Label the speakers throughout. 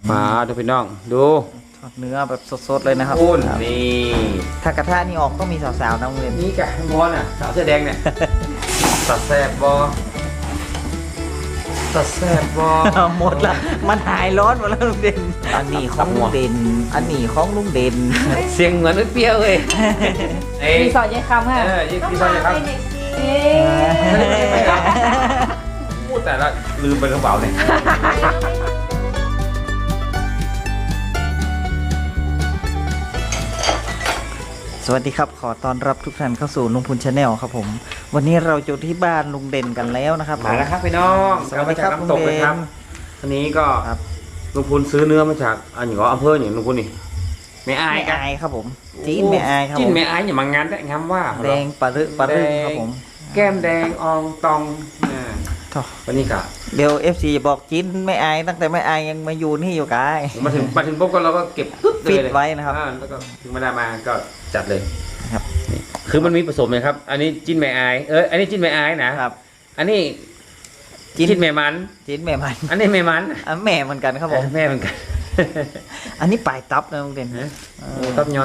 Speaker 1: มาดูพี่น้องดู
Speaker 2: ทอดเนื้อแบบสดๆเลยนะครับ
Speaker 1: คุณนี่
Speaker 2: ถ้ากระทะนี่ออกต้องมีสาวๆนะโรงเรียน
Speaker 1: นี่กะมอนอ่ะสาวเสื้อแดงเนี่ยตัดแสบบอตัดแสบบอ
Speaker 2: หมดละมันหายร้อนหมดแล้วลุงเด่นอันนี้ของลุงเด่นอันนี้ของลุงเด่น
Speaker 1: เสียงเหมือนเปรี้ยวเลย
Speaker 3: รีสอร์ทยายคำค่ะ
Speaker 1: รีสอร์ทยายคำพูดแต่ละลืมไปกระเป๋าเนี่ย
Speaker 2: สวัสดีครับขอต้อนรับทุกท่านเข้าสู่ลุงพูนชาแนลครับผมวันนี้เราอยู่ที่บ้านลุงเด่นกันแล้วนะครับ
Speaker 1: มาแล้วครับพี่น้อง
Speaker 2: สวัสดีครับลุงเด่น
Speaker 1: อันนี้ก็ลุงพูนซื้อเนื้อมาจากอันอย่างอำเภออย่างลุงพูนนี่ไม่อาย
Speaker 2: ครับผมจีนไม่อายครับ
Speaker 1: จีนไม่อายอย่ามางานได้งามว่า
Speaker 2: แดงปลารึครับผม
Speaker 1: แก้มแดงอองตองวันนี้ก็
Speaker 2: เดี๋ยว FC บอกจีนไม่อายตั้งแต่ไม่อายยังมาอยู่นี่อยู่กาย
Speaker 1: มาถึงปุ๊บก็เราก็เก็บ
Speaker 2: ปิดไว้นะครับ
Speaker 1: แล้วก็ถึงมาได้มาก็จัดเลยครับคือมันมีผสมเลยครับอันนี้จิ้นแม่อายอันนี้จิ้นแม่อายนะครับอันนี้จิ้นแม่มันอันนี้แม่มัน
Speaker 2: แม่เหมือนกันครับผม
Speaker 1: แม่เหมือนกัน
Speaker 2: อันนี้ปลายตับนะลุงเด่น
Speaker 1: ทับยอน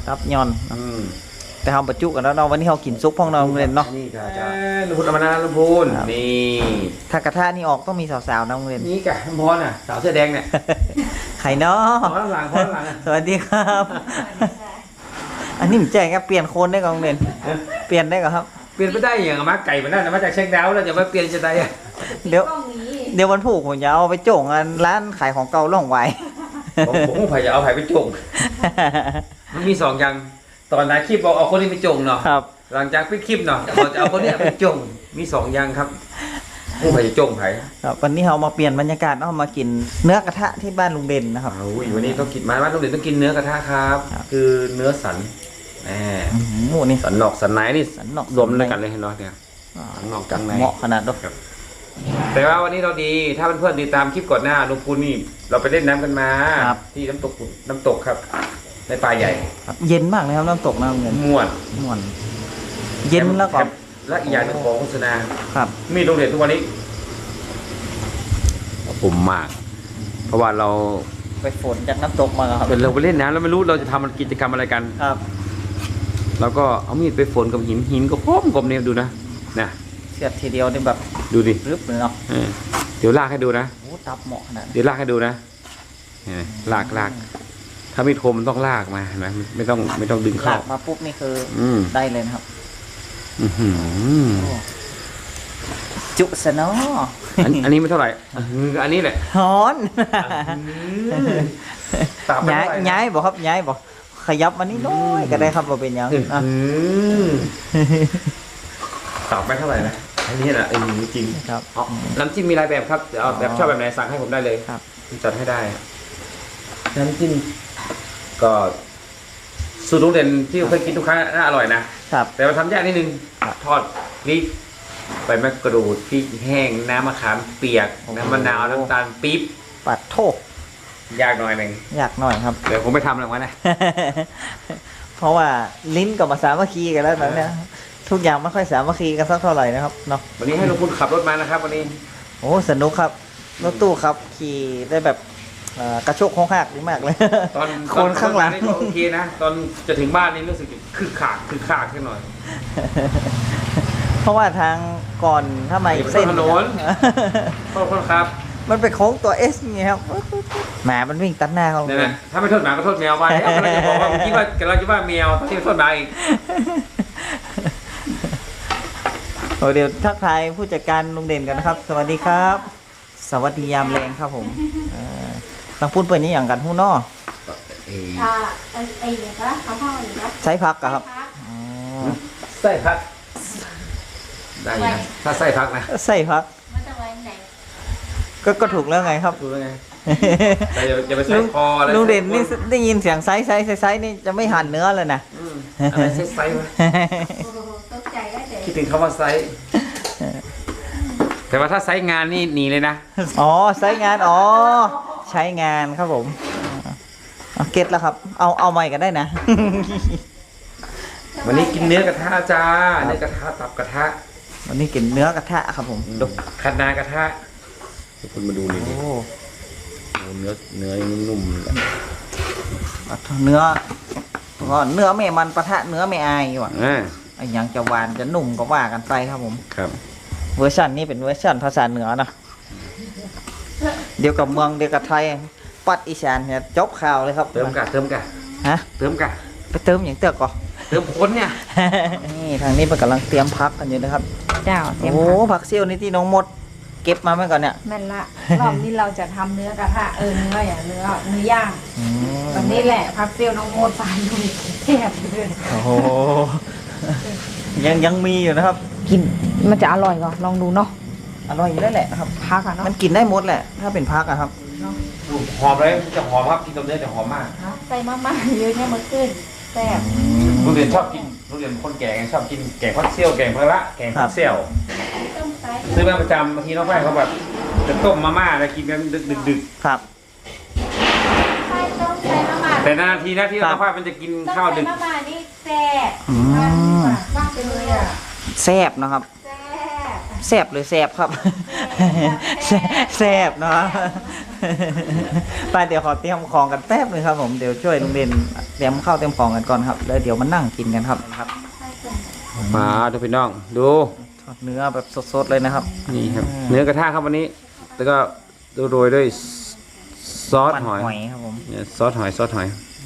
Speaker 2: แต่ทำประจุกันแล้วเนาะวันนี้เรากินซุปพ่องเราลุงเด่นเนาะ
Speaker 1: นี่ก็จะลุงพูนเอามานะลุงพูนนี่
Speaker 2: ถ้ากระทะนี่ออกต้องมีสาวๆนะลุงเด่น
Speaker 1: นี่กะมอนอ่ะสาวเสื้อแดงเนี่ย
Speaker 2: ไข่เนาะ
Speaker 1: พอหลัง
Speaker 2: สวัสดีครับอันนี้ผมแจ้งครับเปลี่ยนโคนได้กับลุงเด่นเปลี่ยนได้ครับ
Speaker 1: เปลี่ยนไม่ได้อย่างมาไก่มันได้มาจากเช็คดาวแล้วจะมาเปลี่ยนจะได้
Speaker 2: เดี๋ยววันผูกผมจะเอาไปโจ่งร้านขายของเก่าล่องไว้
Speaker 1: ผมไผ่จะเอาไผ่ไปโจ่งมันมี2อย่างตอนนั้นคลิปเอาคนนี้ไปโจ่งเนาะหลังจากปิดคลิปเนาะจะเอาคนนี้ไปโจ่งมี2อย่างครับผู้ไผ่จะโจ่งไผ่
Speaker 2: วันนี้เรามาเปลี่ยนบรรยากาศเรามากินเนื้อกระทะที่บ้านลุงเด่นนะครับ
Speaker 1: วันนี้ต้องกินมาบ้านลุงเด่นต้องกินเนื้อกระทะครับคือเนื้อสัน
Speaker 2: นี่
Speaker 1: สันนอกสันไหนนี่รวมด้วยกันเลยเห็นไหมเนี่ยสันนอกจังไหน
Speaker 2: เหมาะขนาดนั้น
Speaker 1: แต่ว่าวันนี้เราดีถ้าเพื่อนๆติดตามคลิปก่อนหน้าลุงพูนนี่เราไปเล่นน้ำกันมาที่น้ำตกครับในป่าใหญ่
Speaker 2: เย็นมากเลยครับน้ำตกน้ำเงิน
Speaker 1: ม่วน
Speaker 2: เย็นแล้วก็
Speaker 1: และอีกอย่างนึงของโฆษณา
Speaker 2: ครับ
Speaker 1: มีโรงเรียนทุกวันนี้ปุ่มมากเพราะว่าเรา
Speaker 2: ไปฝนจากน้ำตกมาครับ
Speaker 1: เป็นเราไปเล่นน้ำแล้วไม่รู้เราจะทำกิจกรรมอะไรกัน
Speaker 2: ครับ
Speaker 1: แล้วก็เอามีดไปฝนกับหินก็พร้อมกลมเนี่ยดูนะ
Speaker 2: เสียบทีเดียวนี่แบบ
Speaker 1: ดูดิ
Speaker 2: รึบเลยเนาะ
Speaker 1: เดี๋ยวลากให้ดูนะ
Speaker 2: โอ้ตับเหมาะขนาด
Speaker 1: เดี๋ยวลากให้ดูนะลากถ้ามีดคมมันต้องลากมาเห็นไหมไม่ต้องดึงเข้า
Speaker 2: มาปุ๊บนี่คือได้เลยนะครับจุสนอ
Speaker 1: อันนี้ไม่เท่าไหร่อันนี้แหละ
Speaker 2: ฮ้อนย้ายบอกครับย้ายบอกขยับมานี่น้อยก็ได้ครับว่าเป็นยัง
Speaker 1: ตอบไม่เท่าไหร่นะอันนี้แหละจริง
Speaker 2: ครับ
Speaker 1: น้ำจิ้มมีหลายแบบครับเอาแบบชอบแบบไหนสั่งให้ผมได้เลย
Speaker 2: ครับ
Speaker 1: จัดให้ได้น้ำจิ้มก็สูตรลุงเด่นที่เคยกินทุกครั้งน่าอร่อยนะครับแต่มาทำยากนิดนึงทอดพริกใบมะกรูดพริกแห้งน้ำมะขามเปียกน้ำมะนาวน้ำตาลปี๊บ
Speaker 2: ปัดโทษ
Speaker 1: ยากหน่อยนึง
Speaker 2: ยากหน่อยครับ
Speaker 1: เดี๋ยวผมไปทำหลังวันนะ
Speaker 2: เพราะว่าลิ้นกับมาสามัคคีกันแล้วนะเนี่ยทุกอย่างไม่ค่อยสามัคคีกันสักเท่าไหร่นะครับเนาะ
Speaker 1: วันนี้ให้ลุงพูนขับรถมานะครับวันนี้
Speaker 2: โอ้สนุกครับรถตู้ครับขี่ได้แบบกระโชกโค้งหักดีมากเลย
Speaker 1: ตอนคนข้างหลังนี่ก็โอเคนะตอนจะถึงบ้านนี่รู้สึกคือขาดขึ้นหน่อย
Speaker 2: เพราะว่าทางก่อนถ้ามาอีกเส้น
Speaker 1: ถนนโทษครับ
Speaker 2: มันเป็นโค้งตัว S ไงครับหมามันวิ่งตัดหน้าเขา
Speaker 1: เนี่ยถ้าไม่โทษหมาก็โทษแมวไปแล้วเราจะบอกว่าคิดว่าเราจะว่าแมวที่โทษหมาอีก
Speaker 2: เดี๋ยวทักทายผู้จัดการลุงเด่นกันนะครับสวัสดีครับสวัสดียามแรงครับผมต้องพูดเปิดนี้อย่างกันหู้นอใช้พักครับ
Speaker 1: ใส่พักได้นะถ้าใส่พักนะ
Speaker 2: ใส่พักก็ถูกแล้วไงครับ
Speaker 1: ถูกแล้วไงแต่อย่าไปใส่คออะไร
Speaker 2: ลุงเด่นนี่ได้ยินเสียงไซส์นี่จะไม่หั่นเนื้อเลยนะ
Speaker 1: อะไรไซส์วะคิดถึงคำว่าไซส์แต่ว่าถ้าไซส์งานนี่หนีเลยนะ
Speaker 2: อ๋อไซส์งานใช้งานครับผมเก็ตแล้วครับเอาใหม่กันได้นะ
Speaker 1: วันนี้กินเนื้อกระทะจ้าเนื้อกระทะตับกระทะ
Speaker 2: วันนี้กินเนื้อกระทะครับผม
Speaker 1: ดูขัดนากระทะทุกคนมาดูนี่เนื้อนุ่มๆเลย
Speaker 2: เนื้อก็เนื้อแม่มันปะทะเนื้อแม่อายว่ะ
Speaker 1: อ่า
Speaker 2: ไอ้หยังจะหวานจะนุ่มก็ว่ากันไปครับผม
Speaker 1: ครับ
Speaker 2: เวอร์ชันนี้เป็นเวอร์ชันภาษาเหนือนะเดียวกับเมืองเดียวกับไทยปัดอีสานเนี่ยจบข่าวเลยครับ
Speaker 1: เติมกะ
Speaker 2: ฮะ
Speaker 1: เติมกะ
Speaker 2: ไปเติมอย่างเตือกก่อน
Speaker 1: เติมคนเนี่ย
Speaker 2: นี่ทางนี้มันกำลังเตรียมพักกันอยู่นะครับ
Speaker 3: เจ้าเตรียม
Speaker 2: โอ้
Speaker 3: ผัก
Speaker 2: ผักเซี่ยวนี่ที่น้องมด เก็บมาเมื่อก่อนเนี่ย
Speaker 3: แม่นละรอบนี้เราจะทำเนื้อกระทะเนื้ออย่างเนื้อย่าง
Speaker 2: อืม
Speaker 3: วันนี้แหละพักเปรี้ยวน้องโมดไปดูแทบเลย
Speaker 2: โอ้โหยังมีอยู่นะครับ
Speaker 3: กินมันจะอร่อยก่อนลองดูเนาะ
Speaker 2: อร่อยอยู่แล้วแหละนะครับ
Speaker 3: พักอ่ะเนาะ
Speaker 2: มันกินได้หมดแหละ ถ้าเป็นพักอะครับ
Speaker 1: หอมเลยจะหอมครับกินกับเนื้อจะหอมมาก
Speaker 3: ใส่มากๆเยอะแค่มาขึ้นแซ่บ
Speaker 1: ลูกเรียนชอบกินลูกเรียนคนแก่ไงชอบกินแกงพักเซี่ยวแกงพะละแกงพักเซี่ยว
Speaker 3: ต้มไก่
Speaker 1: ซื้อมาประจำบางทีน้องแป้งเขาแบบจะต้มมาม่าแล้วกินกันดึก
Speaker 2: ครับ
Speaker 3: ใส่ต้มใส่มะม่า
Speaker 1: ๆแต่นานๆทีนะที่น้องแป้งมันจะกิน
Speaker 3: ต้ม
Speaker 1: ข้าว
Speaker 3: ใส่
Speaker 1: ดึก
Speaker 3: มะม่านี่แซ่บ
Speaker 2: อืม
Speaker 3: มากไปเลยอ่ะ
Speaker 2: แซ่บนะครับ
Speaker 3: แซ่บ
Speaker 2: แซ่บหรือแซ่บครับ แซ่บเนาะ ไปเดี๋ยวขอเตรียมของกันแป๊บนึงครับผม เดี๋ยวช่วยลุงเด่นเตรียมข้าวเตรียมของกันก่อนครับ แล้วเดี๋ยวมานั่งกินกันครับ
Speaker 1: มาดูพี่น้องดู
Speaker 2: ทอดเนื้อแบบสดๆเลยนะครับ
Speaker 1: นี่ครับเนื้อกระทะครับวันนี้แล้วก็โรยด้วยซอส
Speaker 2: มัน
Speaker 1: หอย
Speaker 2: หอยครับผม
Speaker 1: เนี่ยซอสหอย
Speaker 2: ซอสหอย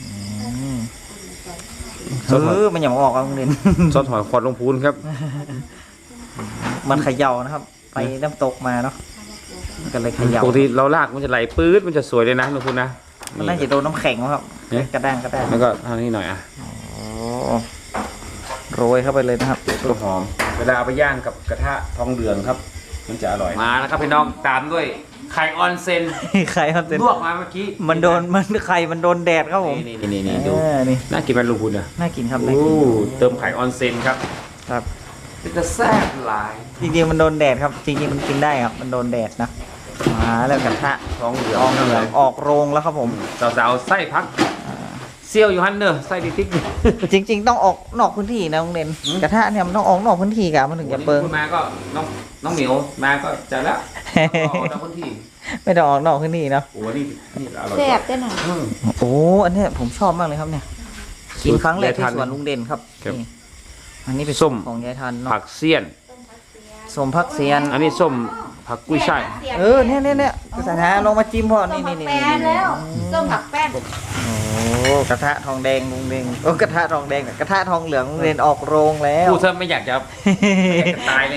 Speaker 2: มันอย่ามาออกครับลุงเด่น
Speaker 1: ซอสหอยควันลงพูนครับ
Speaker 2: มันเขย่านะครับ ไปน้ำตกมาเนาะมันก็เลยเขย่า
Speaker 1: ปกติเราลากมันจะไหลปื๊ดมันจะสวยเลยนะลงพูนนะ
Speaker 2: มันน่าจะโดนน้ำแข็งครับ
Speaker 1: เอ๊ะ
Speaker 2: กระด้างกระด้าง
Speaker 1: แล้วก็ทางนี้หน่อยอ่ะ
Speaker 2: โอ้โรยเข้าไปเลยนะครับ
Speaker 1: ตัวหอมเวลาเอาไปย่างกับกระทะทองเหลืองครับ มันจะอร่อยมาแล้วครับพี่น้องตามด้วยไข่ออนเซน
Speaker 2: ไข่มันเป็น
Speaker 1: ลวกมาเมื่อกี้
Speaker 2: มันโดนไข่มันโดนแดดครับผม
Speaker 1: นี่ดู
Speaker 2: นี่
Speaker 1: น่ากินไหมลุงพูนอ่ะ
Speaker 2: น่ากินครับน่า
Speaker 1: โอ้
Speaker 2: กิน
Speaker 1: เติมไข่ออนเซนครับ
Speaker 2: ครับ
Speaker 1: จะแซ่บหลาย
Speaker 2: จริงๆมันโดนแดดครับจริงๆมันกินได้ครับมันโดนแดดนะมาแล้วกระทะ
Speaker 1: ทองเหลือง
Speaker 2: ออกเหลืองออกโรงแล้วครับผม
Speaker 1: สาวๆไส้พักเซี่ยวอยู่ฮันเนอร์ไส้ดิติ๊ก
Speaker 2: จริง ๆ ต้องออกนอกพื้นที่นะโรงเรียน
Speaker 1: อืม
Speaker 2: กระทะเนี่ยมันต้องออกนอกพื้นที่กับมันถึงจะเปิง
Speaker 1: คุณมาก็น้องเหมียวมาก็จะแล้วเอาตามพื้นที่
Speaker 2: ไม่ต้องออกนอกพื้นที่เนาะ
Speaker 1: โอ้นี่อร่อย
Speaker 3: แซ่บได้หน่อย
Speaker 2: โอ้อันเนี้ยผมชอบมากเลยครับเนี่ยกินครั้งแรกที่สวนลุงเด่นครับนี่อันนี้เป็น
Speaker 1: ส้ม
Speaker 2: ของยายทันเนาะ
Speaker 1: ผักเสี้ยน
Speaker 2: ส้มผักเสียน
Speaker 1: อันนี้ส้มผักกุ้ยช่าย
Speaker 2: เนี่ยสถานลงมาจิ้มพ่อ
Speaker 3: ต้
Speaker 2: นี่
Speaker 3: มผั
Speaker 2: นี่
Speaker 3: ก
Speaker 2: นี่
Speaker 3: แป้นแล้วต้มผักแป้น
Speaker 2: โอ้กระทะทองแดงลุงเด่นโอ้กระทะทองแดงกับกระทะทองเหลืองลุงเด่นออกโรงแล้ว
Speaker 1: พูดซะไม่อยากจะตายเลย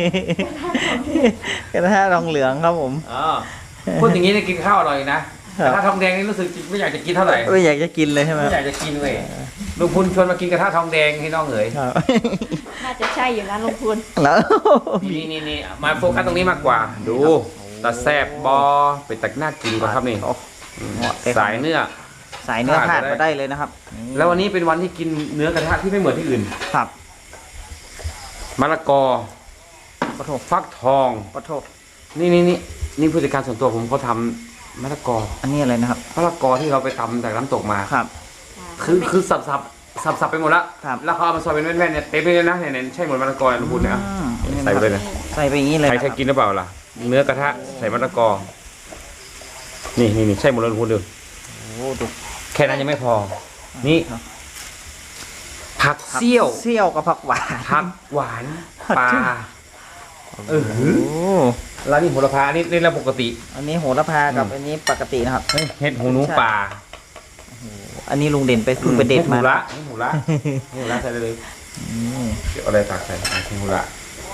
Speaker 2: กระทะทองเหลืองครับผม
Speaker 1: อ๋อพูดอย่างนี้เนี่ยกินข้าวอร่อยนะกระทะทองแดงนี่รู้สึกไม่อยากจะกินเท่าไหร่
Speaker 2: ไม่อยากจะกินเลยใช่ไหม
Speaker 1: ไม่อยากจะกินเลยลุงพุนชวนมากินกระทะทองแดงให้น้องเอ๋ย
Speaker 2: ครับ
Speaker 3: น่าจะใช่อยู่นะลุงพูน
Speaker 2: แล้ว
Speaker 1: นี่มาโฟกัสตรงนี้มากกว่า ดูตาแซบบอเป็นตักหน้ากินกว่าครับนี่ สายเนื้อ
Speaker 2: สายเนื้อพลาดมาได้เลยนะครับ
Speaker 1: แล้ววันนี้เป็นวันที่กินเนื้อกระทะที่ไม่เหมือนที่อื่น
Speaker 2: ครับ
Speaker 1: มะละกอ
Speaker 2: ปะโถ
Speaker 1: ฟักทอง
Speaker 2: ปะโถ
Speaker 1: นี่ผู้จัดการส่วนตัวผมเขาทำมะละกอ
Speaker 2: อันนี้อะไรนะครับ
Speaker 1: มะละกอที่เราไปทำจากน้ำตกมา
Speaker 2: ครับ
Speaker 1: คือสับไปหมดละ
Speaker 2: ครับ
Speaker 1: แล้วเขาเอามาซอยเป็นแว่นๆเนี่ยเต็มเลยนะเนี่ยใช่หมดมะละกอลุงพุนเนี่ย
Speaker 2: อืม
Speaker 1: ใส่ไปเลยนะ
Speaker 2: ใส่ไปอย่างนี้เลย
Speaker 1: ใคร
Speaker 2: นะ
Speaker 1: เคยกินหรือเปล่าล่ะ เนื้อกระทะใส่มะละกอ นี่ใช่หมดเลยลุงพุนดู
Speaker 2: โอ้ดู
Speaker 1: แค่นั้นยังไม่พอ นี่ผักเสี้ยว
Speaker 2: เซี่ยวกับผักหวาน
Speaker 1: ผักหวานปลา
Speaker 2: โอ้
Speaker 1: แล้วนี่โหระพาอันนี่เราปกติ
Speaker 2: อันนี้โหระพากับอันนี้ปกตินะครับ
Speaker 1: เห็ดหูหนูป่า
Speaker 2: อันนี้ลุงเด่นไปเพิ่งไปเด็ดมา
Speaker 1: เห็ดหูละใส่ได้เลย
Speaker 2: อืม
Speaker 1: เดี๋ยวเอาอะไรตักใส่เห็ดหูละ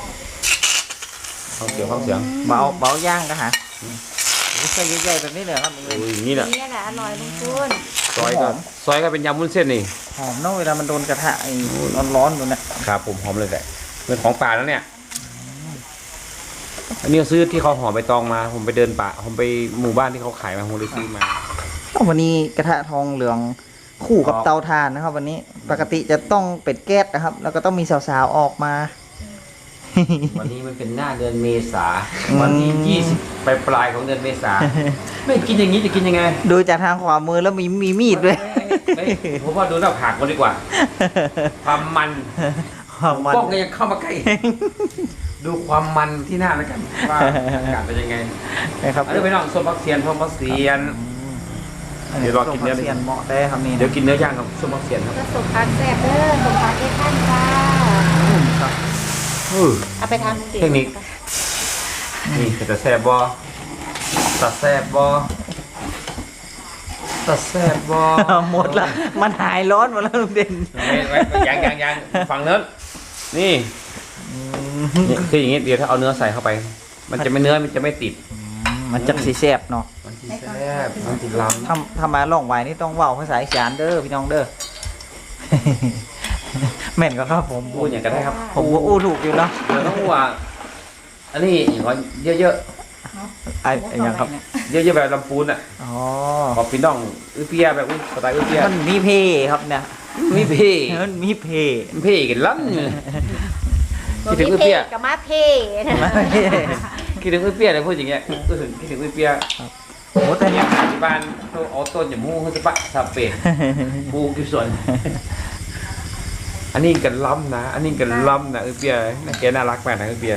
Speaker 1: ฟังเสียง
Speaker 2: เบาย่างก็หาใส่ใหญ่ๆแบบนี้เลยครับลุง
Speaker 1: โอ้
Speaker 2: เด่น
Speaker 1: ยอย่างนี้แหละ
Speaker 3: นี่แหละอร่อยลุงพูน
Speaker 1: ซอยก็เป็นยำวุ้นเส้นนี่
Speaker 2: หอมเนาะเวลามันโดนกระทะไอ้ร้อนๆอยู่เนี่ย
Speaker 1: ครับผมหอมเลยแหละเป็นของป่าแล้วเนี่ยอันนี้ซื้อที่เขาห่อใบตองมา ผมไปเดินป่าผมไปหมู่บ้านที่เขาขายมาผมเลยซื้อมา
Speaker 2: วันนี้กระทะทองเหลืองคู่กับเตาถ่านนะครับ วันนี้ปกติจะต้องเป็ดแก๊สนะครับ แล้วก็ต้องมีสาวๆออกมา
Speaker 1: วันนี้มันเป็นหน้าเดือนเมษา
Speaker 2: อืม
Speaker 1: วันที่20ปลายของเดือนเมษา ไม่กินอย่างนี้จะกินยังไง
Speaker 2: ดูจากทางขวามือแล้วมีมีดด้วย
Speaker 1: เฮ้ยผมว่าดูหน้าผากมันดีกว่า ความมัน
Speaker 2: ความมัน
Speaker 1: กล้องก็ยังเข้ามาใกล้ดูความมันที่หน้าแล้วกันว่าอากาศเป็นยังไง
Speaker 2: นะครับ
Speaker 1: อันนี้ไปน้องส้มผักเสียนส้มผักเสียน เดี๋ยวรอกินเนื้อ
Speaker 2: เสียนเหมาะได้ครับนี่
Speaker 1: เดี๋ยวกินเนื้อย่างกับส้มผักเสียนครับ
Speaker 3: ก็สุกพักแซ่บเด้อสุกพักเอ็ดท่านจ้า
Speaker 2: ครับ
Speaker 3: เอาไปทำสิ
Speaker 1: เทคนิคนี่จะแซ่บบอตัดแซ่บบอตัดแซ่บบอ
Speaker 2: หมดละมันหายร้อนหมดแล้วลุงเด่น
Speaker 1: ยังฝั่งเนื้อนี่นี่คืออย่างงี้เดี๋ยวถ้าเอาเนื้อใส่เข้าไป มันจะไม่เนื้อมันจะไม่ติด
Speaker 2: มันจักสีแซ่บเนาะ
Speaker 1: มันจะแซ่บมันติดลำ
Speaker 2: ทำมาล่องไว้นี่ต้องเว้าภาษาอีสานเด้อพี่น้องเด้อ แม่นก็ครับผม
Speaker 1: พูดอย่างก็ได้ครับ
Speaker 2: ผมว่าอู้ถูกอยู่เนาะ
Speaker 1: เดี๋ยวต้องว่าอันนี้อย่างว่าเยอะ
Speaker 2: ไอ้ยังครับ
Speaker 1: ๆเยอะๆแบบลำพูนอ่ะ
Speaker 2: อ๋อ
Speaker 1: ขอพี่น้องอื้อเปียแบบอุ้ยสไตล์อื้อเปีย
Speaker 2: มันมีเพครับเนี่ย
Speaker 1: มีเพ่
Speaker 2: มันมีเพ
Speaker 1: เพ่กันล้ำคิดถึงอื้อเปีย
Speaker 3: กับมาเพ่
Speaker 1: คิดถึงอื้อเปียเลยพูดอย่างเงี้ยคิดถึงอื้อเปีย
Speaker 2: โอ้แต่
Speaker 1: เนี่ยที่บ้านเขาเอาต้นอย่างมูเขาจะปะสาเปดปลูกอยู่ส่วน อันนี้กันล้ำนะ อันนี้กันล้ำนะอื้อเปียนะแกน่ารักมากนะอื้อเปีย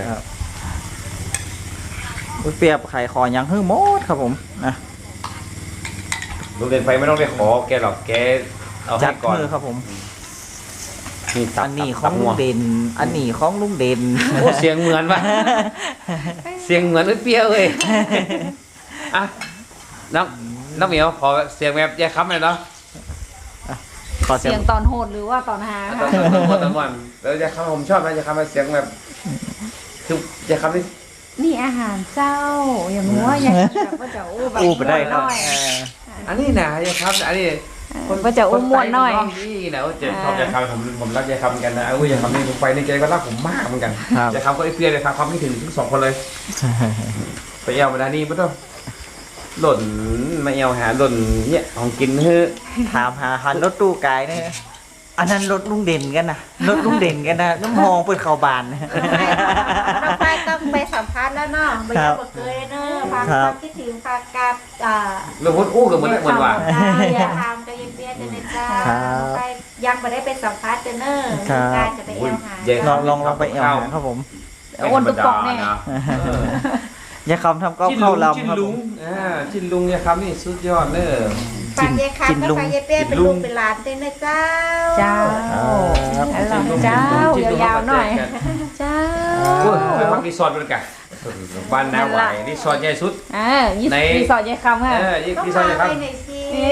Speaker 2: เปรียบไข่คอยังฮื้อหมดครับผมนะ
Speaker 1: ลุงเดินไปไม่ต้องไปขอแกหรอกแกเอา
Speaker 2: จั
Speaker 1: ให้
Speaker 2: ด
Speaker 1: ก่อน
Speaker 2: มือครับผม
Speaker 1: นี่ตับ
Speaker 2: อันนี้ข
Speaker 1: ตั
Speaker 2: อบ ง
Speaker 1: งั
Speaker 2: ลุ
Speaker 1: ว
Speaker 2: งเด่น อันนี้ของลุงเด่น
Speaker 1: โอ้เสียงเหมือนปะเสียงเหมือนอื้อเปียเลยอ่ะน้องเหมียวขอเสียงแบบแย่ค้ำหน่อยเนาะ
Speaker 2: ขอเสีย
Speaker 3: เสี
Speaker 2: ง
Speaker 3: ยงตอนโหดหรือว่าตอนฮา
Speaker 1: ตอ
Speaker 3: ค่ะ
Speaker 1: นวันแล้วแย่ค้ำผมชอบนะแย่ค้ำเสียงแบบคือแย่ค้ำนี่
Speaker 3: นี่อาหารเจ้า อย่างงัวอย่างแบบว่าจะอู้แบบ
Speaker 2: อู้ไปได้ครับ
Speaker 3: หน่อย
Speaker 1: อันนี้นะแย่ค้ำอันนี้
Speaker 3: ว่าจะอู้ม่วนหน่อย
Speaker 1: นี่นะเจ็บชอบแย่ค้ำผมรักแย่ค้ำเหมือนกันนะแย่ค้ำนี่ผมไปในใจก็รักผมมากเหมือนกัน
Speaker 2: ครับ
Speaker 1: แย่ค้ำก็ไอ้เปียเลยครับความไม่ถึงทั้งสองคนเลย ไปเอวมาดานี่ไม่ต้องหล่นมาเอวหาหล่นเนี่ยของกินเฮ้อ
Speaker 2: ถามหาหันรถตู้ไกายเนี่ยอันนั้นรถลุงเด่นกันนะรถลุงเด่นกันนะน้ำมองเปิดเข่าบานนะ
Speaker 3: น้องไปต้องไปสัมภาษณ์แล้วเนาะไปยังบ่เคยเนอะพา
Speaker 2: ครับ
Speaker 3: คิดถึงพากาบ
Speaker 1: เรื่องพูดอู้กับเหมือนว่า
Speaker 3: อย่าทำก็ยังเปี้ยเดนจ้า
Speaker 2: ครับ
Speaker 3: ไปยังไม่ได้ไปสัมภาษณ์เนอะ
Speaker 2: ครับ
Speaker 3: การจะไปเอวหา
Speaker 2: ลองไปเอวหาครับผม
Speaker 3: โอนตุ๊กปองแน่
Speaker 2: อย่าคำทำก็เข้าลำ
Speaker 1: จิ้น
Speaker 2: ครับ
Speaker 1: ลุ
Speaker 2: ผ
Speaker 1: ง
Speaker 2: ม
Speaker 1: จิ้นลุงเนี่ยครับนี่สุดยอดเนอะ
Speaker 3: ฝากยายคันก็ฝากยายเปี้ยเป็นลูกเป็นหลานเต้นนะเจ้า เจ้า
Speaker 2: ครับ
Speaker 3: เจ้ายาวๆหน่อย เจ้า
Speaker 1: ไปพักรีสอร์ทกันบ้านนาหวายรีสอร์ทใหญ่สุด
Speaker 3: ยี่สิบรีสอร์ทยายคำค่ะ
Speaker 1: รีสอร์ทใหญ่ครับ
Speaker 3: หน่อยสิ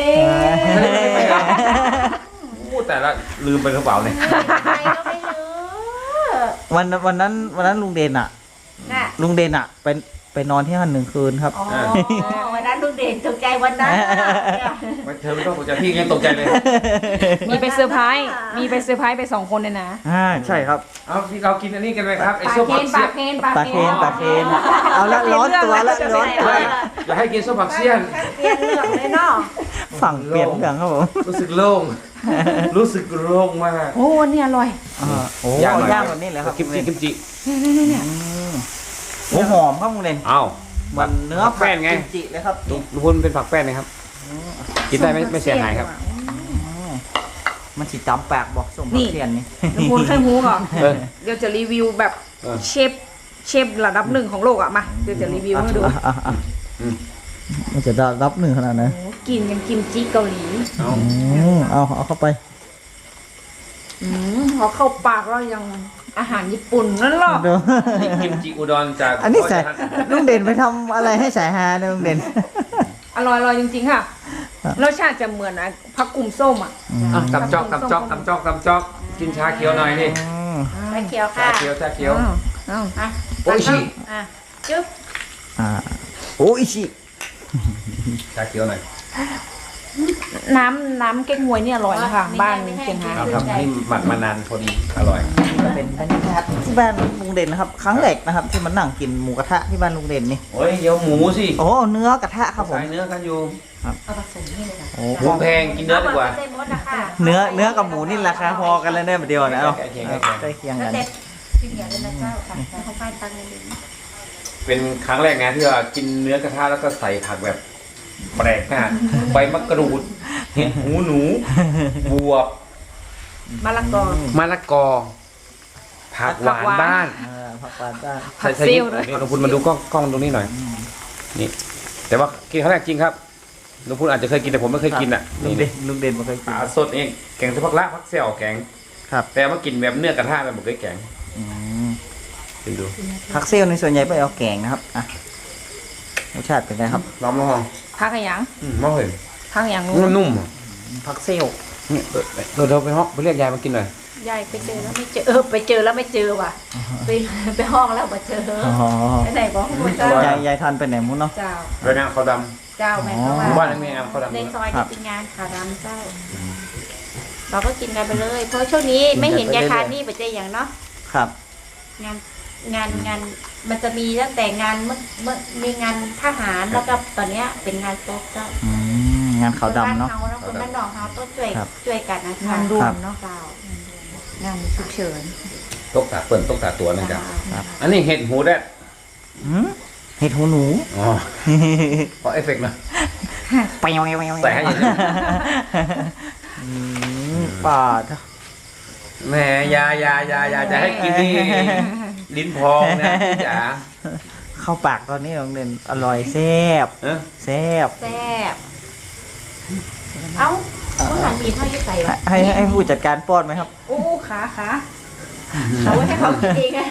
Speaker 1: พูดแต่ละลืมไปกระเป๋าเนี่ย
Speaker 3: ไปก็ไม่รู้
Speaker 2: วันนั้นลุงเด่นอ่ะ
Speaker 3: น่ะ
Speaker 2: ลุงเด่นอ่ะไปนอนที่นั่น1 คืนครับ
Speaker 3: อ๋อวันนั้นลุงเด่นตกใจวันนั้น
Speaker 1: เธอไม่ต้องตกใจพี่ยังตกใจเลย
Speaker 4: มีไปเซอร์ไพรส์มีไปเซอร์ไพรส์ไป2 คนเลยนะ
Speaker 2: ใช่ครับ
Speaker 1: เอาพี่เรากินอันนี้กันไหมครับไอ้
Speaker 3: ปลา
Speaker 1: ส้ม
Speaker 3: เคน
Speaker 1: ผัก
Speaker 3: ป
Speaker 1: เสี้
Speaker 3: ลาย
Speaker 1: น
Speaker 3: เคนปลาเคน
Speaker 2: ตาเคนเอาละร้อนตัวละร้อนตัว
Speaker 1: อย่าให้กินส้มผักเสี้ยน
Speaker 3: เปลี่ยนเรื่องเลยเนาะ
Speaker 2: ฝั่งเปลี่ยนเรื่องครับผม
Speaker 1: รู้สึกโล่ง รู้สึกโล่งมาก
Speaker 3: โอ้นี่อร่อย
Speaker 2: โอ้
Speaker 1: ย่างหน่อย
Speaker 2: ย่างแบบนี้เลยครับ
Speaker 1: กิมจิกิมจิ
Speaker 2: โอ้หอมครับลุงเด่น
Speaker 1: อ้าว
Speaker 2: มันเนื้อ
Speaker 1: ผักแป้นไง
Speaker 2: กิมจิเลยครับ
Speaker 1: ลุงพูนเป็นผักแป้นนะครับ กินได้ไม่เสียหายครับ
Speaker 2: มันสิจำปากบอกส่งผักเทียนนี่
Speaker 4: ลุงพูนเคยหูก่อน
Speaker 1: เออ
Speaker 4: เดี๋ยวจะรีวิวแบบ
Speaker 1: เออ
Speaker 4: เชฟระดับ1ของโลกอ่ะมาเดี๋ยวจะรีวิวให้ดู
Speaker 2: มันจะรับหนึ่งขนาดไหน
Speaker 4: โอ้กินกันกิมจิเกาหลี
Speaker 1: เอา
Speaker 2: เอาเข้าไป
Speaker 4: พอเข้าปากแล้วยังอาหารญี่ปุ่นนั่นหรอ
Speaker 2: เดี๋ยว
Speaker 1: นี่กิมจิอุดรจาก
Speaker 2: อันนี้ใส่ลุงเด่นไปทำอะไรให้สายฮาเนี่ยลุงเด่น
Speaker 4: อร่อยจริงๆค่ะรสชาติจะเหมือนผักกุ่มส้มอ่ะ
Speaker 1: อ่ะตำจอกตำจอกตำจอกตำจอกกินชาเขียวหน่อยนี่
Speaker 3: ไปเขียว
Speaker 1: ชา
Speaker 3: ค่ะ
Speaker 1: เขียวชาเขียว
Speaker 4: อ้าว
Speaker 3: อ่ะ
Speaker 1: โอ้ยชิ
Speaker 3: อ่ะจุ๊บ
Speaker 2: โอ้อิชิ
Speaker 1: ชาเขียวหน่อย
Speaker 4: น้ำเก๊กฮวยนี่อร่อยนะคะบ้านเชียงราย
Speaker 1: เอาครับนี่หมักมานานพอดีอร่อย
Speaker 2: เป็นบรรยากาศที่บ้านลุงเด่นนะครับ ครั้งแรกนะครับ ที่มันนั่งกินหมูกระทะที่บ้านลุงเด่นนี่
Speaker 1: โอ้ยเดี๋ยวหมูสิ
Speaker 2: โอ้เนื้อกระทะครับผม
Speaker 1: สายเนื้อกันอยู่
Speaker 3: เอาผสมนี่เลยค่ะ
Speaker 2: โอ้
Speaker 1: หมูแพงกินเนื้อดีกว่า
Speaker 3: เส้นมดนะคะ
Speaker 2: เนื้อกับหมูนี่ราคาพอกันเลยเนี่ยเดียวนะเอาใกล้เคียง
Speaker 3: แล้ว
Speaker 2: กัน
Speaker 3: เด็ดพี่เหนียวเลยนะเจ้าค่ะเขาป้ายตังค์เลย
Speaker 1: เป็นครั้งแรกนะที่ว่ากินเนื้อกระทะแล้วก็ใส่ผักแบบแปลกมากใบมะกรูดเห็ดหูหนูบวบบ
Speaker 4: มะละกอ
Speaker 1: มะละกอผักหวานบ้าน
Speaker 2: ผักหวานบ้าน
Speaker 4: ผัก
Speaker 1: ใส่
Speaker 4: ซิ่วด้วย
Speaker 1: นี่ลุงพูนมาดูกล้องตรงนี้หน่อยนี่แต่ว่ากินครั้งแรกจริงครับลุงพูนอาจจะเคยกินแต่ผมไม่เคยกินอ่ะ
Speaker 2: ลุ
Speaker 1: นี่
Speaker 2: งเด่นลุงเด่นมาเคย
Speaker 1: ป
Speaker 2: กิน
Speaker 1: ลาสดเองแกงเฉพาะละผักเสี่ยวแกง
Speaker 2: ครับ
Speaker 1: แต่ว่ากินแบบเนื้อกระทะแบบผมเคยแกง
Speaker 2: อืม
Speaker 1: กินดู
Speaker 2: ผักเซลล์ในส่วนใหญ่ไปเอาแกงนะครับอ่ะรสชาติเป็นไงครับ
Speaker 1: ลองลอง
Speaker 4: พักอะไรยัง
Speaker 1: มองเห็น
Speaker 4: พักอย่าง
Speaker 1: มันนุ่มอ่ะ
Speaker 2: ผักเซลล์
Speaker 1: นี่เราไปห้องไปเรียกยายมากินหน่อย
Speaker 3: ยายไปเจอแล้วไม่เจอไปเจอแล้วไม่เจอว่ะไปห้องแล้วมาเจอ
Speaker 2: อ๋อ
Speaker 3: ไปไหนบอกหมดเจ้าย
Speaker 2: ายทานไปไหนมุ้นเนาะ
Speaker 3: เจ้า
Speaker 1: แล้วนางเขาด
Speaker 3: เจ้าแม่เขา
Speaker 1: ำห
Speaker 3: ว่า
Speaker 1: มู่บ้านนี้มีงานเขาดำ
Speaker 3: ใน
Speaker 1: ด้วย
Speaker 3: ซอยนี่เป็นงานขารำเจ้า เราก็กินกันไปเลย เพราะช่วงนี้ไม่เห็นยายคานี่ปัจจัยอย่างเนาะ
Speaker 2: ครับ
Speaker 3: งานมันจะมีตั้งแต่งานเมื่อมีงานทหารแล้วก็ตอนเนี้ยเป็นงานโต๊ะเจ้า
Speaker 2: อืมงานขาวดำเนาะ
Speaker 3: คนบ้านนอกเขาต้องช่วย
Speaker 2: ครับ
Speaker 3: ช่วยกันนะคะ
Speaker 4: งานด่วนเนาะ
Speaker 3: เจ้าง
Speaker 4: านฉุกเฉิน
Speaker 1: ตกตาเปิ่นตกตาตัวนั่น
Speaker 3: เจ้า
Speaker 1: จ้ะอันนี้เห็ดหูแดด
Speaker 2: อืมเห็ดหูหนู
Speaker 1: อ๋อขอเอฟเฟกต์หนะ
Speaker 2: ไปยังไง
Speaker 1: ใส่ให้เยอะ
Speaker 2: ป่าด
Speaker 1: แหมยาจะให้กินนี่ลิ้นพองนะพี่จ๋า
Speaker 2: เข้าปากตอนนี้น้องเด่นอร่อยแซ่บ
Speaker 1: เออ
Speaker 2: แซ่บ
Speaker 3: แซ่บเอ้าผู้หันมีเท่ายี่ใส่วะ
Speaker 2: ให้ผู้จัดการป้อนไหมครับ
Speaker 3: โอ้ขาเอาไว้ให้เขากินเองไง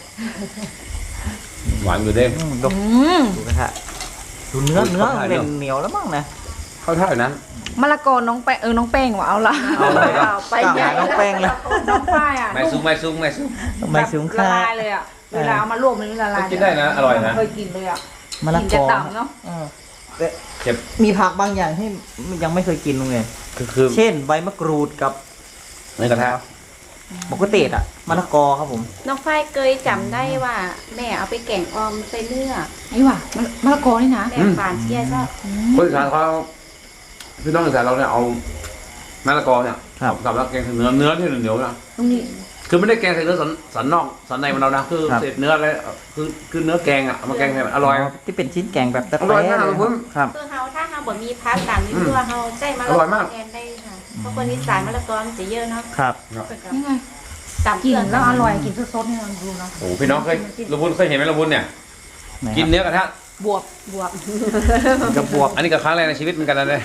Speaker 1: หวานอยู่เด้ง
Speaker 2: ดู
Speaker 4: อืม
Speaker 2: ดูกระทะดูเนื้อ
Speaker 1: อุ้ย
Speaker 2: เนื้อ
Speaker 1: เข้าท่า
Speaker 2: เด่น
Speaker 1: เนอะ
Speaker 2: เหนียวแล้วมั้งนะ
Speaker 1: เข้าท่าอยู่นั้น
Speaker 4: มะละกอน้องแป้งน้องแป้งว่ะเอาละ
Speaker 1: เอาเลย
Speaker 3: เอาไป
Speaker 2: กล่าว
Speaker 3: ใหญ่
Speaker 2: หาน้องแป้งเลย
Speaker 4: น้องฝ้ายอ่ะ
Speaker 1: ไม่ซุ้ม
Speaker 2: ไม่สูง
Speaker 4: ละ
Speaker 2: ค่า
Speaker 4: ลายเลยอ่ะเวลาเอามาลวกมันละลาย
Speaker 1: กินได้นะอร่อยนะ
Speaker 4: เคยกินเลยอ่ะ
Speaker 2: มะละ
Speaker 4: กิน
Speaker 2: ก
Speaker 4: จะ
Speaker 2: อ
Speaker 4: ต่ำเนาะ
Speaker 2: เออแต่
Speaker 1: เจ็บ
Speaker 2: มีผักบางอย่างที่ยังไม่เคยกินลุงเด่น
Speaker 1: คือ
Speaker 2: เช่นใบมะกรูดกับ
Speaker 1: ในกระทะ
Speaker 2: มะกุเตดอะมะละกอครับผม
Speaker 3: น้องฝ้ายเคยจำได้ว่าแม่เอาไปแกงออมใส่เนื้อ
Speaker 4: ไอ้ว่ะมะละกอนี่นะ
Speaker 3: แม่ฝานเชียร์ก็
Speaker 1: คนอีสานเขาพี่น้องอีสานเราเนี่ยเอามะละกอเนี่ย
Speaker 2: ครับ
Speaker 1: กับแล้วแกงใส่เนื้อที่เหนียวๆนะ
Speaker 4: ตรงนี้
Speaker 1: คือไม่ได้แกงใส่เนื้อสันนอกสันในมันเรานะคือ
Speaker 2: ครับ
Speaker 1: เศษเนื้ออะไรคือเนื้อแกงอ่ะเอามาแกงให้มันอร่อย
Speaker 2: ที่เป็นชิ้นแกงแบบตะ
Speaker 1: อร่อยมาก
Speaker 2: เล
Speaker 1: เลยคุณ
Speaker 2: ครับ
Speaker 3: คือเขาถ้าเขาบ่มีพักตามที่ตัวเขาใส่มะละ
Speaker 1: อก ร่อย
Speaker 3: อ
Speaker 1: มาก
Speaker 3: แทนได้ค่ะเพราะคนอีสานมะละกอมันจะเยอะเนาะ
Speaker 2: ครับ
Speaker 4: นี่ไง
Speaker 3: ตาม
Speaker 4: กิน
Speaker 3: เพื่อน
Speaker 4: แล้วอร่อยกินสดๆนี่ลองดูเนาะ
Speaker 1: โอ้พี่น้องเคยลุงบุญเคยเห็นไหมลุงบุญเนี่ย
Speaker 2: ไหน
Speaker 1: กินเนื้อกระทะ
Speaker 4: บวบ
Speaker 2: กับบวบ
Speaker 1: อันนี้ก็ครั้งแรกในชีวิตเหมือนกันนะเนี่ย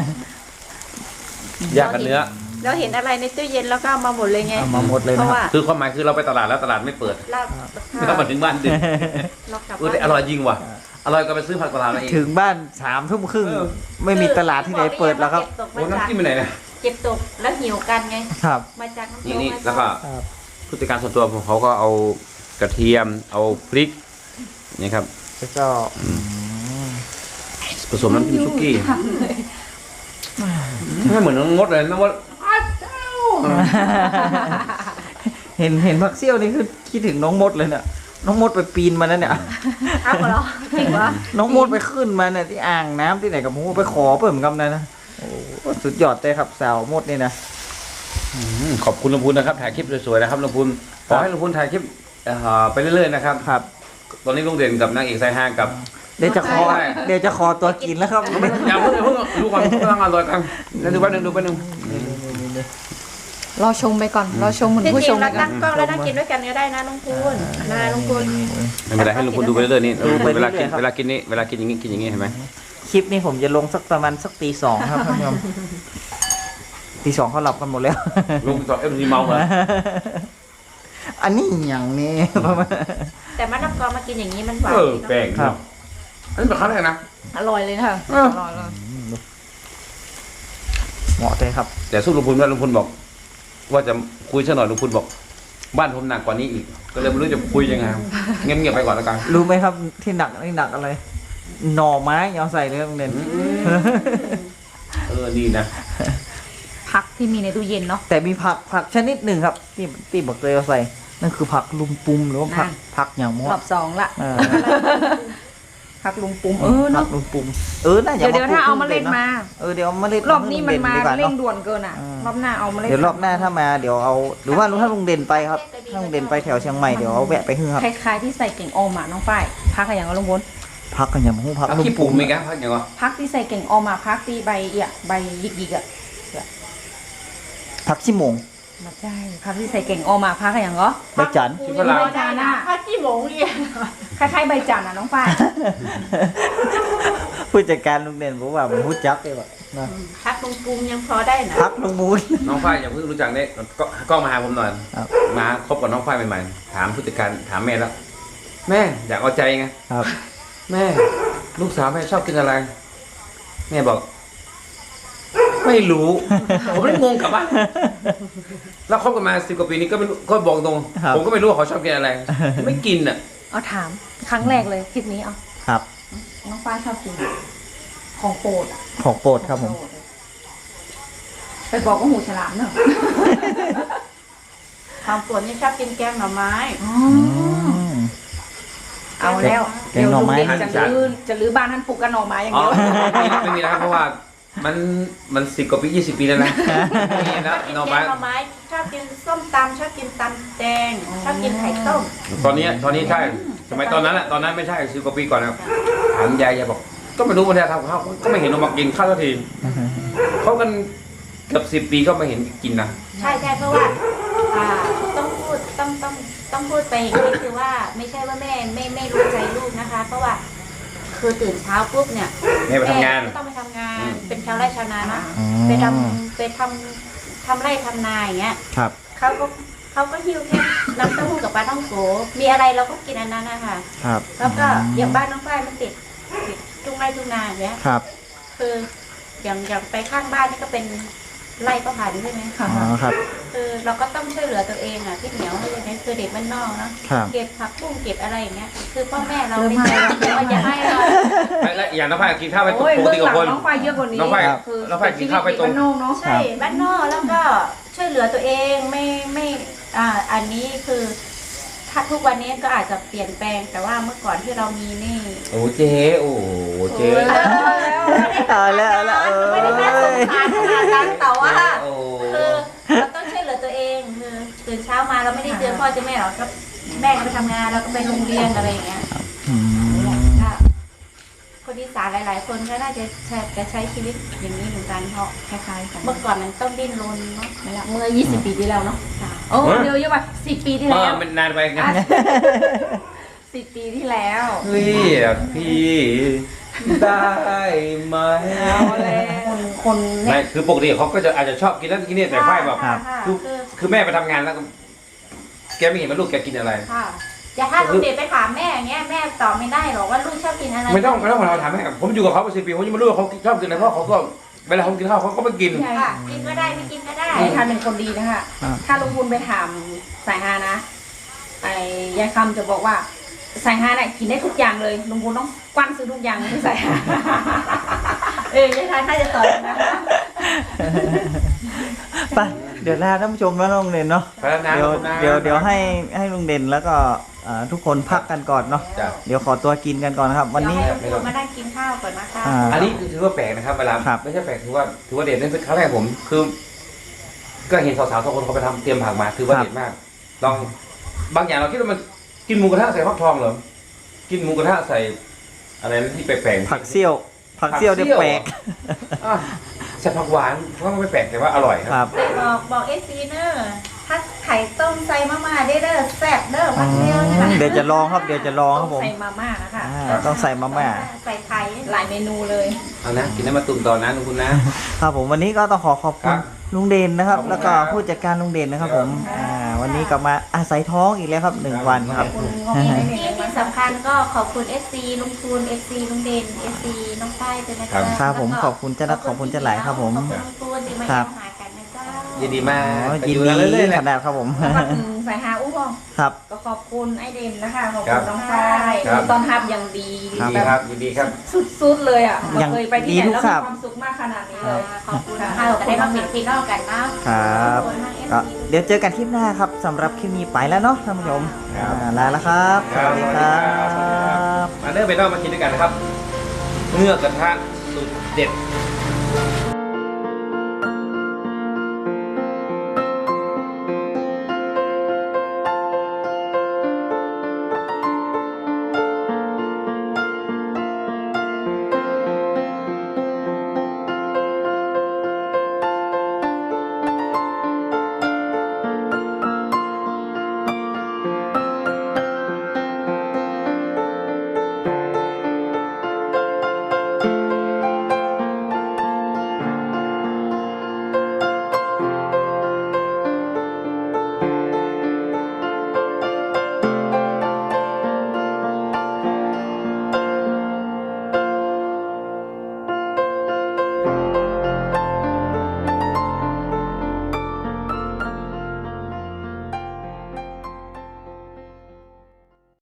Speaker 1: ยากกับเนื้อ
Speaker 3: เราเห็นอะไรในตู้เย็นแล้วก็เอามาหมดเลยไง
Speaker 2: เอามาหมดเลย
Speaker 3: เพ
Speaker 2: นะ
Speaker 3: ราะ
Speaker 2: ค
Speaker 3: ว่า
Speaker 2: รับ
Speaker 1: คือความหมายคือเราไปตลาดแล้วตลาดไม่เปิด
Speaker 3: เรา
Speaker 1: แล้วมาถึงบ้านดึก
Speaker 3: เรากลับ
Speaker 1: แต่อร่อยจริงว่ะอร่อยก็ไปซื้อผักตลาดมาเอง
Speaker 2: ถึงบ้าน3 ทุ่มครึ่ง
Speaker 1: เออ
Speaker 2: ไม่มีตลาดที่ไหนเปิดแล้วครับ
Speaker 1: โอ้น้ำจิ้มไปไหนเนี่ย
Speaker 3: เก็บตกแล้วหิวกันไง
Speaker 2: ครับ
Speaker 3: มาจากน้ำต
Speaker 1: นี่
Speaker 3: ก
Speaker 1: แล้วก็
Speaker 2: ครับ
Speaker 1: ผู้จัดการส่วนตัวของเขาก็เอากระเทียมเอาพริกนี่ครับ
Speaker 2: แล้วก็อืม
Speaker 1: ผสมน้ำจิ้มซุกี้ไม่เหมือนน้องมดเลยน้องมด
Speaker 2: เห็นผักเซี่ยวนี่คือคิดถึงน้องมดเลยเนี่ยน้องมดไปปีนมานั่นเนี่ย
Speaker 3: เอาเหรอจริงวะ
Speaker 2: น้องมดไปขึ้นมาเนี่ยที่อ่างน้ำที่ไหนกับหมูไปขอเปิ่มกำนันนะโอ้โหสุดยอดเลยครับสาวมดนี่นะ
Speaker 1: ขอบคุณลุงพูนนะครับถ่ายคลิปสวยๆนะครับลุงพูนขอให้ลุงพูนถ่ายคลิปไปเรื่อยๆนะครับ
Speaker 2: ครับ
Speaker 1: ตอนนี้ลุงเด่นกับนางเอกสายห้างกับ
Speaker 2: เดี๋ยวจะขอ
Speaker 1: ใช่
Speaker 2: เดี๋ยวจะขอตัวกินแล้วครับ
Speaker 1: อย่าเพิ่งดูก่อนกำลังอร่อยกันแล้วดูแป๊บนึงดูแป๊บนึง
Speaker 4: รอชมไปก่อนรอชมเหมือน
Speaker 3: ที่
Speaker 4: ผู้
Speaker 3: จ
Speaker 4: ช
Speaker 3: ริ
Speaker 4: ม
Speaker 3: ง
Speaker 4: ไป
Speaker 3: เรา
Speaker 4: ก่อ
Speaker 3: ตั้
Speaker 4: น
Speaker 3: งกล้องแล้วนั่งกินด้วยกันก็ได้นะลุงพูนนะลุงพูน
Speaker 1: ไม่เป็นไรให้ลุงพูนดูไปเรื่อยๆนี่
Speaker 2: ดูไป
Speaker 1: เว
Speaker 2: เรื่
Speaker 1: ลา
Speaker 2: อย
Speaker 1: กิน
Speaker 2: ๆครับ
Speaker 1: เวลากินนี่เวลากินอย่างงี้กินอย่างงี้เห็นไหม
Speaker 2: คลิปนี้ผมจะลงสักประมาณสักตี 2ครับท่านผู้ชมตี 2เขาหลับกันหมดแล้ว
Speaker 1: ลุงต่อเอ็มซีเมาเหรอ
Speaker 2: อันนี้อย่างนี้ประมาณ
Speaker 3: แต่มะละกอมากินอย่างนี้มันหวาน
Speaker 1: เออ
Speaker 3: ดีเนอะ
Speaker 1: แปลก
Speaker 2: ครับ
Speaker 1: อันนี้เป็นครั้งแรกนะ
Speaker 4: อร่อยเลยค่ะ
Speaker 1: เออ
Speaker 4: อร่อยเลย
Speaker 2: เหมาะเลยครับ
Speaker 1: แต่สู้ลุงพูนว่าลุงพูนบอก ว่าจะคุยสักหน่อยลุงพูนบอก บ้านผมหนักกว่านี้อีก ก็เลยไม่รู้จะคุยยังไงเงียบๆไปก่อนแล้วกัน
Speaker 2: รู้ไหมครับที่หนักนี่หนักอะไร หน่อไม้เอาใส่เลยโรงเรียน
Speaker 1: ดีนะ
Speaker 4: ผักที่มีในตู้เย็นเนาะ
Speaker 2: แต่มีผักชนิดหนึ่งครับ ที่บอกเลยเอาใส่ นั่นคือผักลุมปุมหรือว่าผักอย่างม
Speaker 4: ร
Speaker 2: ด
Speaker 4: อบ2ละ
Speaker 2: เออ
Speaker 4: ผักลุงปุ่ม
Speaker 2: ผั
Speaker 4: เนาะ
Speaker 2: กลุมปุมน่าจะ
Speaker 4: เดี๋ยวถ้าเอาเมล็ดมา
Speaker 2: เดี๋ยวเอาเมล็ด
Speaker 4: รอบนี้มันมา
Speaker 2: ดีกว่
Speaker 4: เร่ง
Speaker 2: เนาะ
Speaker 4: ด่วนเกินอ่ะ
Speaker 2: อืม
Speaker 4: รอบหน้าเอามาเล่น
Speaker 2: เดี๋ยวรอบหน้าถ้ามาเดี๋ยวเอาหรือว่าถ้าลุงเด่นไปครับถ้าลุงเด่นไปแถวเชียงใหม่เดี๋ยวเอาแวะไปฮือครับ
Speaker 4: คล้ายๆที่ใส่เก่งออมอ่ะน้องฝ้ายพักอะไรอย่างก็ลงบน
Speaker 2: พักกันอย่างหูพัก
Speaker 1: พัก
Speaker 2: ลุม
Speaker 1: ขี้
Speaker 2: ปุ
Speaker 1: ปู
Speaker 2: ม
Speaker 1: มีแกพักอย่างวะ
Speaker 4: พักที่ใส่เก่งออมอ่ะพักที่ใบเอี่ยใบหยิกๆอ่ะ
Speaker 2: พักชิโมง
Speaker 4: มาใช่พักที่ใส่เก่งออกมาพักอย่างเหรอ
Speaker 2: ใบจันทร์
Speaker 1: ที่ฝรั่ง
Speaker 4: ใบจานน่ะ
Speaker 3: ถ้าขี้หมงเรียน
Speaker 4: คล้ายๆใบจันน่ะน้องฝ้าย
Speaker 2: ผู้จัดการลุงเด่นบอกว่าผมพูดจักเลยว่ะนะ
Speaker 3: ทักลุงปุงยังพอได้นะ
Speaker 2: พักลุงมูล
Speaker 1: น้องฝ้ายอย่าเพิ่งรู้จักเนี่ยก็มาหาผมหน่อย
Speaker 2: ครับ
Speaker 1: มาคบกับน้องฝ้ายใหม่ๆถามผู้จัดการถามแม่แล้ว แม่อยากเอาใจไง
Speaker 2: ครับ
Speaker 1: แม่ลูกสาวแม่ชอบกินอะไร แม่บอก ไม่รู้ ผมเลยงงกลับบ้านแล้วคบกันมา10 กว่าปีนี้ก็ไม่รู้ก็บอกตรง
Speaker 2: ครับ
Speaker 1: ผมก็ไม่รู้ว่าเขาชอบกินอะไร ไม่กินอ่ะ
Speaker 4: เอาถามครั้งแรกเลยคลิปนี้เอา
Speaker 2: ครับ
Speaker 4: น้องฝ้ายชอบกินของโปรดอะ
Speaker 2: ของโปรดครับผม
Speaker 4: ไปบอกว่าหูฉลามเนอะ
Speaker 3: ความปวดนี่ชอบกินแกงหน่อไม้
Speaker 2: อืม
Speaker 4: เอาแล้ว
Speaker 2: แกงหน่อไม้
Speaker 4: เดี๋ยวลุงเด่นจะลื้อบ้านท่านปลูกกันหน่อไม้อย่าง
Speaker 1: อ๋อ
Speaker 4: เดียว
Speaker 1: ไม่มีนะครับเพราะว่ามัน10 กว่าปี20 ปีแล้วนะไม่มีนะ
Speaker 3: กิน
Speaker 1: น้อง
Speaker 3: แก
Speaker 1: ไม้
Speaker 3: งหน่อไม้ชอบกินส้มตำชอบกินตำแดงชอบกินไข่ต้ม
Speaker 1: ตอนนี้ใช่สมัยตอนนั้นอะตอนนั้นไม่ใช่10 กว่าปีก่อนนะครับถามยายบอกก็ไม่รู้มันจะทำข้าวก็ไม่เห็นออกมากินข้าวสักทีเขากันเกือบ10 ปีก็ไม่เห็นกินนะ
Speaker 3: ใช่เพราะว่าต้องพูดต้องพูดไปอย่างนี้คือว่าไม่ใช่ว่าแม่ไม่รู้ใจลูกนะคะ เพราะว่าคือตื่นเช้าปุ๊บเนี่ย
Speaker 1: แม่ไปทำงาน
Speaker 3: ก็ต้องไปทำงาน เป็นชาวไร่ชาวนาเนาะ
Speaker 2: อืม
Speaker 3: ไปทำไร่ทำนาอย่างเงี้ย
Speaker 2: ครับ
Speaker 3: เขาก็หิ้วแค่น้ำเต้าหู้กับปลาท่องโกมีอะไรเราก็กินอันนั้นนะคะ
Speaker 2: ครับ
Speaker 3: แล้วก็อย่างบ้านน้องฝ้ายมันติดทุ่งไร่ทุ่งนาอย่างเงี้ย
Speaker 2: ครับ
Speaker 3: คืออย่างไปข้างบ้านนี่ก็เป็นไร่ก็ผ่านใช่ไหม
Speaker 4: ค่ะ
Speaker 2: อ๋อครับ
Speaker 3: คือเราก็ต้องช่วยเหลือตัวเองอ่ะพี่เหนียวอะไรอย่างเงี้ยคือเด็กบ้านนอกเนาะ
Speaker 2: ครับ
Speaker 3: เก็บผักบุ้งเก็บอะไรอย่างเงี้ย คือพ่อแม่เราไม่ใช่ว่าอย่าให้เรา
Speaker 1: และอย่างน้องฝ้ายกินข้าวไป
Speaker 4: โอ้ย
Speaker 1: ปก
Speaker 4: เบื้อ
Speaker 1: ติ
Speaker 4: ง
Speaker 1: กับ
Speaker 4: หลัง
Speaker 1: คน
Speaker 4: น้องฝ้ายเยอะกว่านี้
Speaker 1: น้องฝ้าย
Speaker 4: คือ
Speaker 1: น้องฝ้ายกินข้าวไปตรง
Speaker 4: ชีวิตบ้านนอกเนาะ
Speaker 3: ใช่บ้านนอกแล้วก็ช่วยเหลือตัวเองไม่อันนี้คือถ้าทุกวันนี้ก็อาจจะเปลี่ยนแปลงแต่ว่าเมื่อก่อนที่เรามีนี่
Speaker 1: โอ้เจ๊โอ้เจ๊
Speaker 2: เอาแล้วเอาแล้วเออ
Speaker 3: ไม่ได้น่าสงสารขนาดนั้นแต่ว่า
Speaker 1: โอ้
Speaker 3: คือเราต้องช่วยเหลือตัวเองคือตื่นเช้ามาเราไม่ได้เจอพ่อเจอแม่หรอกก็แม่ก็ไปทำงานเราก็ไปโรงเรียนอะไรอย่างเงี้ย
Speaker 2: อืม
Speaker 3: ก็คนอีสานหลาย ๆ คนก็น่าจะใช้ชีวิตอย่างนี้เหมือนกันเพราะ
Speaker 4: คล้ายๆกัน
Speaker 3: เมื่อก่อนมันต้องดิ้นรนเนาะ
Speaker 4: นั่นแหละเมื่อ 20 ปีที่แล้วเนาะโอ้เดี๋ยวเยอะไป10 ปีที่
Speaker 1: เอ
Speaker 4: แล้
Speaker 1: อ
Speaker 4: ว
Speaker 1: มันนานไปไง
Speaker 4: 10 ปีที่แล้ว
Speaker 1: เรียกพี่ได้ไหม
Speaker 4: เอาแล้วคน
Speaker 1: ไม่
Speaker 4: เนี่ย
Speaker 1: คือปกติเขาก็จะอาจจะชอบกินนั่นกินนี่แต่ฝ้ายแบบ
Speaker 3: ค่ะ
Speaker 1: คือ
Speaker 3: คือ
Speaker 1: คือแม่ไปทำงานแล้วก็แกไม่เห็นว่าลูกแกกินอะไร
Speaker 3: ค่ะอย่าถ้าลูกเด็กไปถามแม่อย่างเงี้ยแม่ตอบไม่ได้หรอกว่าลูกชอบกินอะไร
Speaker 1: ไม่ต้องเราถามแม่ผมอยู่กับเขามา10 ปีผมยังไม่รู้ว่าเขาชอบกินอะไรเพราะเขาก็เวลาเขากินข้าวเขาก็ไม่กิน
Speaker 3: ค่ะกินก็ได้ไม่กินก็ได้
Speaker 4: ไอ้ท่านเป็นคนดีนะคะ ถ้าลุงบุญไปถามสายฮานะ ไอ้ยายคำจะบอกว่าสายฮาเนี่ยกินได้ทุกอย่างเลยลุงบุญต้องกว้านซื้อทุกอย่างให้สายฮา
Speaker 3: ยายทานถ้าจะตอบนะคะ
Speaker 2: ไปเดี๋ยวลาท่านผู้ชมแล้วลุงเด่นเนาะ
Speaker 1: ไปแล้วนะ
Speaker 2: เดี๋ยว
Speaker 1: ขอบคุณนะ
Speaker 2: เดี๋ยวให้ลุงเด่นแล้วก็ทุกคนพักกันก่อนเนาะ
Speaker 1: จ้ะ
Speaker 2: เดี๋ยวขอตัวกินกันก่อนนะครับ วันนี้
Speaker 3: เดี๋ยวให้ลุงมานั่งกินข้าวก่อนนะคะ
Speaker 1: อันนี้ถือว่าแปลกนะครับเวลา
Speaker 2: ครับ
Speaker 1: ไม่ใช่แปลกถือว่าเด็ดนั่นเป็นครั้งแรกผมคือ ก็เห็นสาวๆสองคนเขาไปทำเตรียมผักมาถือว่าเด็ดมากลองบางอย่างเราคิดว่ามันกินหมูกระทะใส่ฟักทองเหรอกินหมูกระทะใส่อะไรนะที่แปลกๆ
Speaker 2: ผักเซี่ยวเนี่ยแปลก
Speaker 1: อ่ะใส่ผักหวานก็ไม่แปลกแต่ว่าอร่อยค
Speaker 2: ค
Speaker 1: รั
Speaker 2: รั
Speaker 1: บบ
Speaker 3: บอกเอซีเนอร์ถ้าไข่ต้มใส่มาม่าได้เด้อแซ่บเด้อพักเดียวนี่แหละ
Speaker 2: เดี๋ยวจะลองครับเดี๋ยวจะลองค
Speaker 4: ต้
Speaker 2: รั
Speaker 4: อบ ง
Speaker 2: ผม
Speaker 4: ใส่มาม่านะคะ
Speaker 2: ต้องใส่มาม่า
Speaker 3: ใส่ไข่
Speaker 4: หลายเมนูเลย
Speaker 1: เอานะกินน้ำมาตุ่มต่อนะทุกคุณนะครับ
Speaker 2: ผมวันนี้ก็ต้องขอบคุ
Speaker 1: ครั
Speaker 2: ณ
Speaker 1: บ
Speaker 2: ลุงเด่นนะครับ
Speaker 1: ขอบคุณ
Speaker 2: แล้วก็
Speaker 1: ครับ
Speaker 2: ผู้จัดการลุงเด่นนะครับผมวันนี้ก็มาอาศัยท้องอีกแล้วครับ1 วันครับ
Speaker 4: คุณงงไม่ได้
Speaker 3: ที่สำคัญก็ขอบคุณ FC ลุงคูณ FC ลุงเด่น FC น้องฝ้ายด้วยนะ
Speaker 1: ครั
Speaker 3: จ๊ะ
Speaker 1: บ
Speaker 2: ครับผมขอบคุณเจ้านักขอบคุณเจ้าหลายครับผม
Speaker 3: ขอบคุณลุงคูณที่มา
Speaker 2: ครั
Speaker 3: เยี่ย
Speaker 2: บ
Speaker 3: มหากันนะเจ้า
Speaker 1: ยินดีมาก
Speaker 2: อ๋อ
Speaker 1: ไป
Speaker 2: ยิน
Speaker 1: ดู
Speaker 2: ดี
Speaker 1: เรื่อยๆเลย
Speaker 2: ขนาดครับผม
Speaker 4: แล้วก็ถึงสายฮาอู้พ่อง
Speaker 2: ครับ
Speaker 4: ก็ขอบคุณไอเดนนะคะ ขอบ
Speaker 1: ครั
Speaker 4: คุ
Speaker 1: บ
Speaker 4: ณน้องฝ้าย
Speaker 1: ครับ
Speaker 4: ตอนทับอย่างดี
Speaker 1: ยินดี
Speaker 4: แบบ
Speaker 1: ครับยินดีครับ
Speaker 4: สุดๆเลยอ่ะ
Speaker 2: อย่าง
Speaker 4: เคยไปที่ไหน
Speaker 2: ดีทุก
Speaker 4: แล้ว
Speaker 2: ครั
Speaker 4: มี
Speaker 2: บ
Speaker 4: ความสุขมากขนาดนี้เลย
Speaker 3: ขอบคุณค่ะเราได้มาเป็นพี่น้องกันนะครับ ขอณมาก FC
Speaker 2: ก็เดี๋ยวเจอกันคลิปหน้าครับสำหรับคลิปนี้ไปแล้วเนาะท่านผู้ชม
Speaker 1: ครับ
Speaker 2: ลาแล้วครับ สวัสดีครับ
Speaker 1: มาเริ่มไปนอกมากินด้วยกันนะครับเนื้อกระทะสุดเด็ด